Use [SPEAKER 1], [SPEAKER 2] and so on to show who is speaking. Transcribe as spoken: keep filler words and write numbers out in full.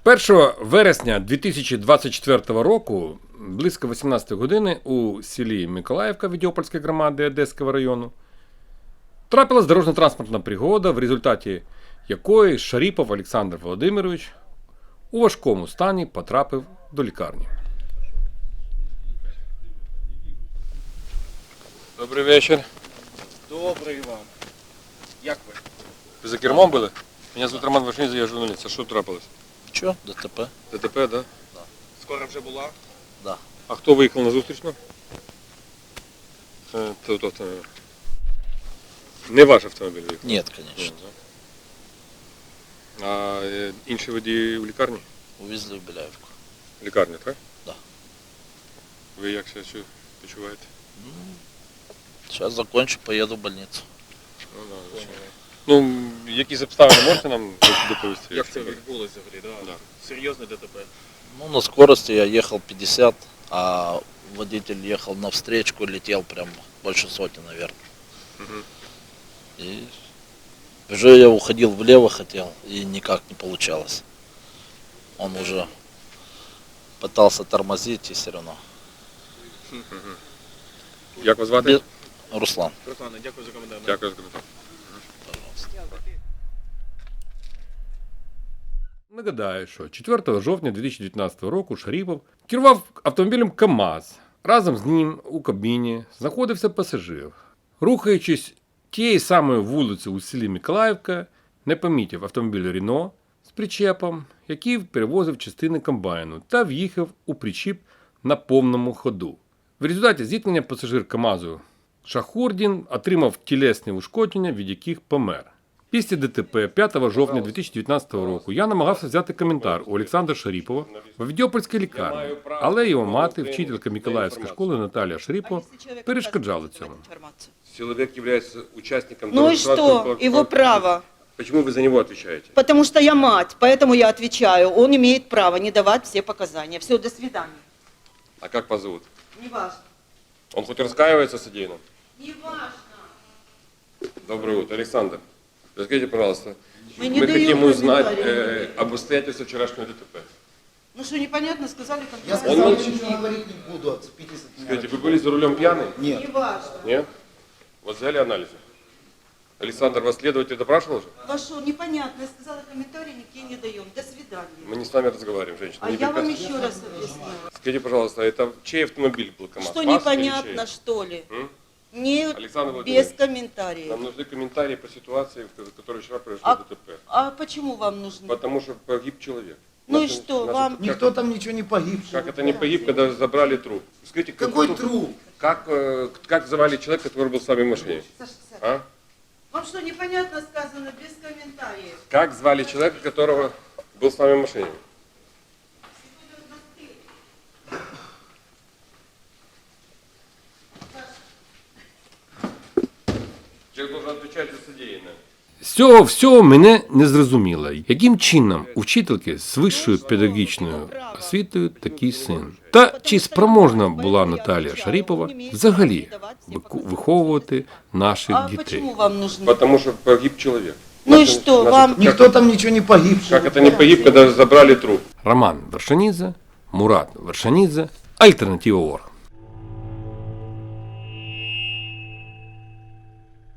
[SPEAKER 1] першого вересня дві тисячі двадцять четвертого року, близько вісімнадцятої години, у селі Миколаївка Відьопольської громади Одеського району трапилась дорожньо-транспортна пригода, в результаті якої Шаріпов Олександр Володимирович у важкому стані потрапив до лікарні. Добрий вечір.
[SPEAKER 2] Добрий вам. Як ви?
[SPEAKER 1] Ви за кермом були? Мене звуть Роман Вершинідзе, я журналіст. А що трапилось?
[SPEAKER 3] Що? ДТП?
[SPEAKER 1] ДТП, да?
[SPEAKER 3] Да.
[SPEAKER 2] Скоро вже була?
[SPEAKER 3] Да.
[SPEAKER 1] А хто виїхав на зустрічну? Е, то- Тобто, не ваш автомобіль виїхав?
[SPEAKER 3] Нет, конечно.
[SPEAKER 1] А е, інші водії у лікарні?
[SPEAKER 3] Увезли в Беляевку.
[SPEAKER 1] Лікарня, так?
[SPEAKER 3] Да.
[SPEAKER 1] Ви як себе чу- почуваєте?
[SPEAKER 3] Сейчас закончу, поеду в больницу.
[SPEAKER 1] Ну, да, звичайно. Ну, якісь обставини можете нам доповісти?
[SPEAKER 2] Як це
[SPEAKER 1] якщо-
[SPEAKER 2] відбулося взагалі? Да?
[SPEAKER 1] Да.
[SPEAKER 2] Серйозне ДТП?
[SPEAKER 3] Ну, на скорости я ехал пятьдесят, а водитель ехал на встречку, летел прям больше сотни, наверное.
[SPEAKER 1] Мгм.
[SPEAKER 3] И уже я уходил влево хотел, и никак не получалось. Он уже пытался тормозить, и все равно.
[SPEAKER 1] Як вас звати?
[SPEAKER 3] Без- Руслан,
[SPEAKER 2] Руслане, дякую за коментар.
[SPEAKER 1] Дякую за коментар.
[SPEAKER 3] пожалуйста.
[SPEAKER 1] Нагадаю, що четвертого жовтня дві тисячі дев'ятнадцятого року Шаріпов керував автомобілем КАМАЗ. Разом з ним у кабіні знаходився пасажир. Рухаючись тією самою вулицею у селі Миколаївка, не помітив автомобіль Рено з причепом, який перевозив частини комбайну, та в'їхав у причіп на повному ходу. В результаті зіткнення пасажир КАМАЗу Шахурдін отримав тілесні ушкодження, від яких помер. Після ДТП п'ятого жовтня дві тисячі дев'ятнадцятого року я намагався взяти коментар у Олександра Шаріпова в Відьопольській лікарні, але його мати, вчителька Миколаївської школи Наталія Шаріпова, перешкоджала цьому.
[SPEAKER 4] Человек является участником
[SPEAKER 5] Ну и
[SPEAKER 4] дорожно-транспортного
[SPEAKER 5] что? Его
[SPEAKER 4] происшествия.
[SPEAKER 5] право.
[SPEAKER 4] Почему вы за него отвечаете?
[SPEAKER 5] Потому что я мать, поэтому я отвечаю. Он имеет право не давать все показания. Все, до свидания.
[SPEAKER 4] А как вас зовут?
[SPEAKER 5] Не важно.
[SPEAKER 4] Он хоть раскаивается в содеянном?
[SPEAKER 5] Не важно.
[SPEAKER 4] Доброе утро, Александр. Расскажите, пожалуйста,
[SPEAKER 5] Мы не
[SPEAKER 4] мы
[SPEAKER 5] даем
[SPEAKER 4] хотим узнать
[SPEAKER 5] комментариев.
[SPEAKER 4] э, об обстоятельствах вчерашнего ДТП.
[SPEAKER 5] Ну что, непонятно, сказали
[SPEAKER 6] Я
[SPEAKER 5] конкретно.
[SPEAKER 6] сказал,
[SPEAKER 4] Он
[SPEAKER 6] что ничего говорить не буду, отцепитесь от меня.
[SPEAKER 4] Скажите, вы были за рулем пьяный?
[SPEAKER 6] Нет.
[SPEAKER 5] Не важно.
[SPEAKER 4] Нет? Вот взяли анализы? Александр, вас следователь допрашивал же?
[SPEAKER 5] Вошел, непонятно, я сказала комментарий, никакие не даем. До свидания.
[SPEAKER 4] Мы не с вами разговариваем, женщина.
[SPEAKER 5] А
[SPEAKER 4] не
[SPEAKER 5] я вам
[SPEAKER 4] препятствуйте.
[SPEAKER 5] еще раз объясню.
[SPEAKER 4] Скажите, пожалуйста, это чей автомобиль был КамАЗ?
[SPEAKER 5] Что
[SPEAKER 4] Ваш или
[SPEAKER 5] непонятно,
[SPEAKER 4] чей?
[SPEAKER 5] что ли?
[SPEAKER 4] М?
[SPEAKER 5] Не
[SPEAKER 4] Александр Владимирович,
[SPEAKER 5] без комментариев.
[SPEAKER 4] Нам нужны комментарии по ситуации, в которой вчера произошло
[SPEAKER 5] А,
[SPEAKER 4] ДТП.
[SPEAKER 5] а почему вам нужны?
[SPEAKER 4] Потому что погиб человек.
[SPEAKER 5] Ну и
[SPEAKER 4] Наши-
[SPEAKER 5] что,
[SPEAKER 4] наши-
[SPEAKER 5] вам-
[SPEAKER 4] как-
[SPEAKER 6] Никто там ничего не погиб.
[SPEAKER 4] Как это не погиб, когда забрали труп? Скажите,
[SPEAKER 6] Какой
[SPEAKER 4] кто-
[SPEAKER 6] труп?
[SPEAKER 4] Как, э, как звали человека, который был с вами в машине?
[SPEAKER 5] Саша, Саша,
[SPEAKER 4] А?
[SPEAKER 5] вам что, непонятно сказано без комментариев?
[SPEAKER 4] Как звали человека, которого был с вами в машине? Человек должен отвечать за содеянное.
[SPEAKER 1] З цього всього мене не зрозуміло, яким чином у вчительки з вищою педагогічною освітою такий син. Та чи спроможна була Наталія Шаріпова взагалі вику- виховувати наших
[SPEAKER 5] А
[SPEAKER 1] дітей?
[SPEAKER 5] почему вам нужны?
[SPEAKER 4] Потому что погиб человек.
[SPEAKER 5] Ну и
[SPEAKER 4] Наши-
[SPEAKER 5] что,
[SPEAKER 4] наши-
[SPEAKER 5] вам-
[SPEAKER 4] как-
[SPEAKER 6] Никто там ничего не погиб.
[SPEAKER 4] Как это не погиб, когда забрали труп?
[SPEAKER 1] Роман Вершинідзе, Мурат Вершинідзе, Альтернатива Орг.